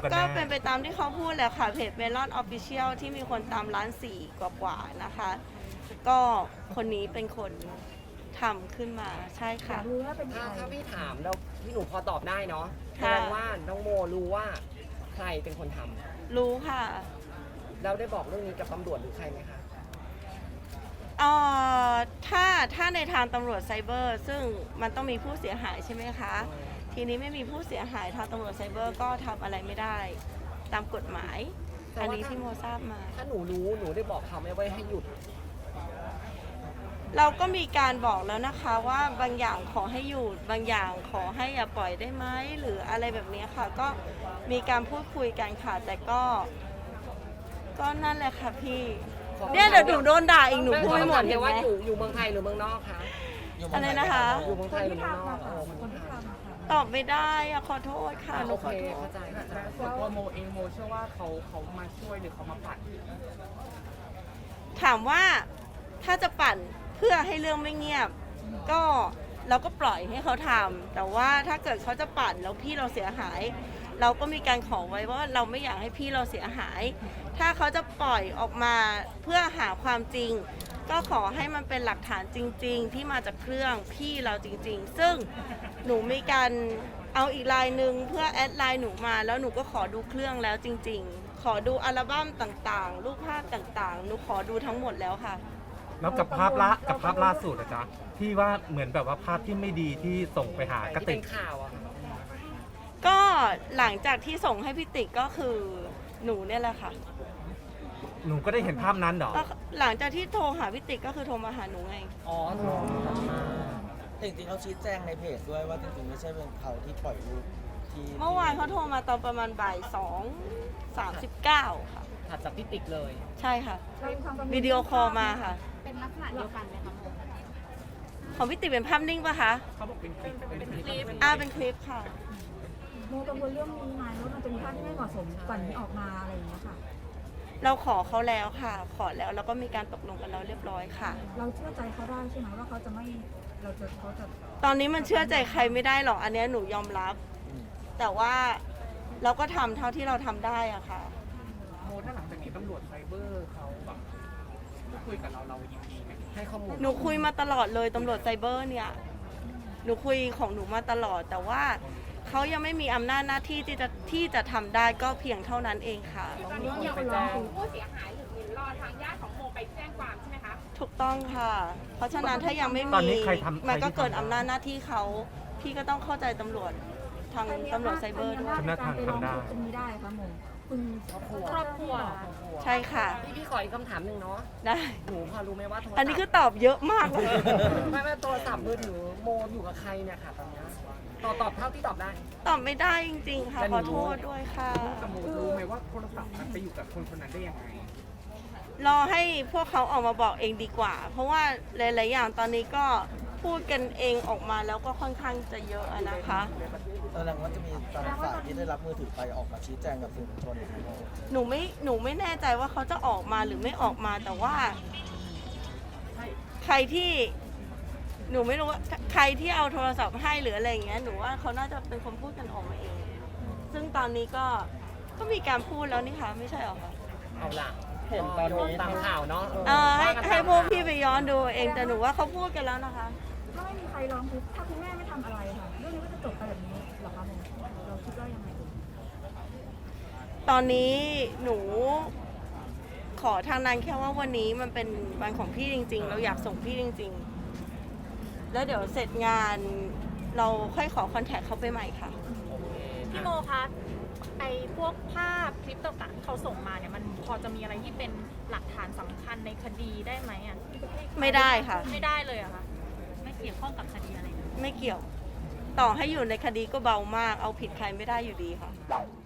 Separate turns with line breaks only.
ก็เป็นไปตามที่เขาพูดแหละค่ะเพจเมลอนออฟฟิเชียลที่มีคนตาม1.4 ล้านกว่านะคะ ก็คนนี้เป็นคนทำขึ้นมาใช่ค่ะ
รู้ว่าเป็นใคร
ถ้าพี่ถามแล้วพี่หนูพอตอบได้เนาะแสดงว่าน้องโมรู้ว่าใครเป็นคนทำ
รู้ค่ะ
แล้วได้บอกเรื่องนี้กับตำรวจหรือใครไหมคะ
ถ้าในทางตำรวจไซเบอร์ ซึ่งมันต้องมีผู้เสียหายใช่ไหมคะ ทีนี้ไม่มีผู้เสียหายทางตำรวจไซเบอร์ก็ทำอะไรไม่ได้ตามกฎหมาย อันนี้ที่โมทราบมา
ถ้าหนูรู้หนูได้บอกเขาไหมว่าให้หยุด
เราก็มีการบอกแล้วนะคะว่าบางอย่างขอให้หยุดบางอย่างขอให้อย่าปล่อยได้ไหมหรืออะไรแบบนี้ค่ะ ก็มีการพูดคุยกันค่ะแต่ก็นั่นแหละค่ะพี่เนี่ยเดี๋ยวหนูโดนด่าอีกหนูพูดไม่หมด
เห็
เห็
น
นไหม
ว่าอยู่เมืองไทยหรือเมืองนอกคะ
อะไรนะคะ
อยู่เมือง
ค
ไท
น
ยหรื
ที่
อเมืองน
ทำ
อก
อะค่ะคนที่ทำค่ะ
ตอบไม่ได้อะขอโทษค่ะหนู
โอ
ข
เค
อโทษ
เข้าใจ
ส่วนตัวโมเองโมเชื่อว่าเขามาช่วยหรือเขามาปัด
ถามว่าถ้าจะปั่นเพื่อให้เรื่องไม่เงียบ ก็เราก็ปล่อยให้เขาทำแต่ว่าถ้าเกิดเขาจะปั่นแล้วพี่เราเสียหาย เราก็มีการขอไว้ว่าเราไม่อยากให้พี่เราเสียหาย ถ้าเขาจะปล่อยออกมาเพื่อหาความจริง ก็ขอให้มันเป็นหลักฐานจริง ๆ ที่มาจากเครื่องพี่เราจริง ๆ ซึ่งหนูมีการเอาอีกไลน์หนึ่งเพื่อแอดไลน์หนูมาแล้วหนูก็ขอดูเครื่องแล้วจริง ๆ ขอดูอัลบั้มต่างๆ รูปภาพต่างๆ หนูขอดูทั้งหมดแล้วค่ะ
แล้วกับภาพล่าสุดนะจ๊ะที่ว่าเหมือนแบบว่าภาพที่ไม่ดีที่ส่งไปหากระ
ที่
ติ
เป็
ก
นข่าวอะค่ะ
ก็หลังจากที่ส่งให้พี่ติ๊กก็คือหนูเนี่ยแหละค่ะ
หนูก็ได้เห็นภาพนั้นเหรอ
ก็หลังจากที่โทรหาพี่ติ๊กก็คือโทรมาหาหนูไง
อ๋อโทรมา
แต่จริงๆเขาชี้แจงในเพจด้วยว่าจริงๆไม่ใช่เป็นเขาที่ปล่อยรูปที่
เมื่อวานเขาโทรมาตอนประมาณบ่าย2:39 ค่ะ
ถัดจากพี่ติ๊กเลย
ใช่ค่ะ
เรามีความกังวล
วิดีโอคอลมาค่ะ
เป็นลักษณะเดียวกันไหมคะโม
ของพี่ติ๊กเป็นภาพนิ่งปะคะ
เขาบอกเป็นคลิปเป็นคลิป
เป็นคลิปค่ะ
โมกังวลเรื่องนี้ไหมว่ามันจะมีภาพที่ไม่เหมาะสมก่อนนี้ออกมาอะไรอย่างเงี้ยค่ะ
เราขอเขาแล้วค่ะ ขอแล้วก็มีการตกลงกันแล้วเรียบร้อยค่ะ
เราเชื่อใจเขาได้ใช่ไหมว่าเขาจะไม่เขาจะ
ตอนนี้มันเชื่อใจใครไม่ได้หรอก อันเนี้ยหนูยอมรับ แต่ว่าเราก็ทำเท่าที่เราทำได้อะค่ะ
โมถ้าหลังจากนี้ตำรวจไซเบอร์เขาแบบพูดคุยกับเรายินดีไหม
ให้ข้อมูล
หนูคุยมาตลอดเลยตำรวจไซเบอร์เนี่ย หนูคุยของหนูมาตลอด แต่ว่าเขายังไม่มีอำนาจหน้าที่ที่จะทำได้ก็เพียงเท่านั้นเองค่ะ
ตอนนี้ยังไปแจ้ง
ผู้เสียหายหรือรอทางญาติของโมไปแจ้งความใช่ไหมคะ
ถูกต้องค่ะ เพราะฉะนั้นถ้ายังไม่
ตอน
มี
นี้ใครทำ
มันก็
ใครที่ทำ
เกินอำนาจหน้าที่เขา พี่ก็ต้องเข้าใจตำรวจทางตำรวจไซเบอร์ด้วย
ในการไปร้องทุกข์ตรงนี้ได้ค่ะโมคุณ
ครอบครัว
ใช่ค่ะ
พี่ขออีกคำถามหนึ่งเนาะ
ได้
หนูพอรู้ไหมว่าโทรศัพท์
อันนี้คือตอบเยอะมากเลย
ไม่โทรศัพท์มือถือโมอยู่กับใครเนี่ยค่ะตอนเนี้ยตอบเท่าที่ตอบได้
ตอบไม่ได้จริงๆค่ะ
แต่ห
ข
นู
อโทษด้วยค่ะ
กับโมรู้ไหมว่าโทรศัพท์มันไปอยู่กับคนคนนั้นได้ยังไง
รอให้พวกเขาออกมาบอกเองดีกว่า เพราะว่าหลายๆอย่างตอนนี้ก็พูดกันเองออกมาแล้วก็ค่อนข้างจะเยอะอะนะคะ
แสดงว่าจะมีตอนฝ่ายที่ได้รับมือถือไปออกมาชี้แจงกับสื่อมวลชนไหมโม
หนูไม่แน่ใจว่าเขาจะออกมาหรือไม่ออกมาแต่ว่า ใครที่หนูไม่รู้ว่าใครที่เอาโทรศัพท์ให้หรืออะไรอย่างเงี้ยหนูว่าเขาน่าจะเป็นคนพูดกันออกมาเอง ซึ่งตอนนี้ก็มีการพูดแล้วนี่คะไม่ใช่หรอคะ
เอาล่ะเห็นตอนนี้ตามข่าวเนาะ
ให้พวกพี่ไปย้อนดูเองแต่หนูว่าเขาพูดกันแล้วนะคะ
ถ้าไม่มีใครร้องทุกข์ถ้าคุณแม่ไม่ทำอะไรค่ะเรื่องนี้ก็จะจบไปแบบนี้เหรอคะโมเราคิดว่ายังไง
ตอนนี้หนูขอทางนั้นแค่ว่าวันนี้มันเป็นวันของพี่จริง ๆ เราอยากส่งพี่จริง ๆ แล้วเดี๋ยวเสร็จงานเราค่อยขอคอนแทคเขาไปใหม่ค่ะ
พี่โมคะไอพวกภาพคลิปต่างๆที่เขาส่งมาเนี่ยมันพอจะมีอะไรที่เป็นหลักฐานสำคัญในคดีได้ไหมอ่ะ
ไม่ได้ค่ะ
ไม่ได้เลยอะคะไม่เกี่ยวข้องกับคดีอะไรเลย
ไม่เกี่ยว ต่อให้อยู่ในคดีก็เบามาก เอาผิดใครไม่ได้อยู่ดีค่ะ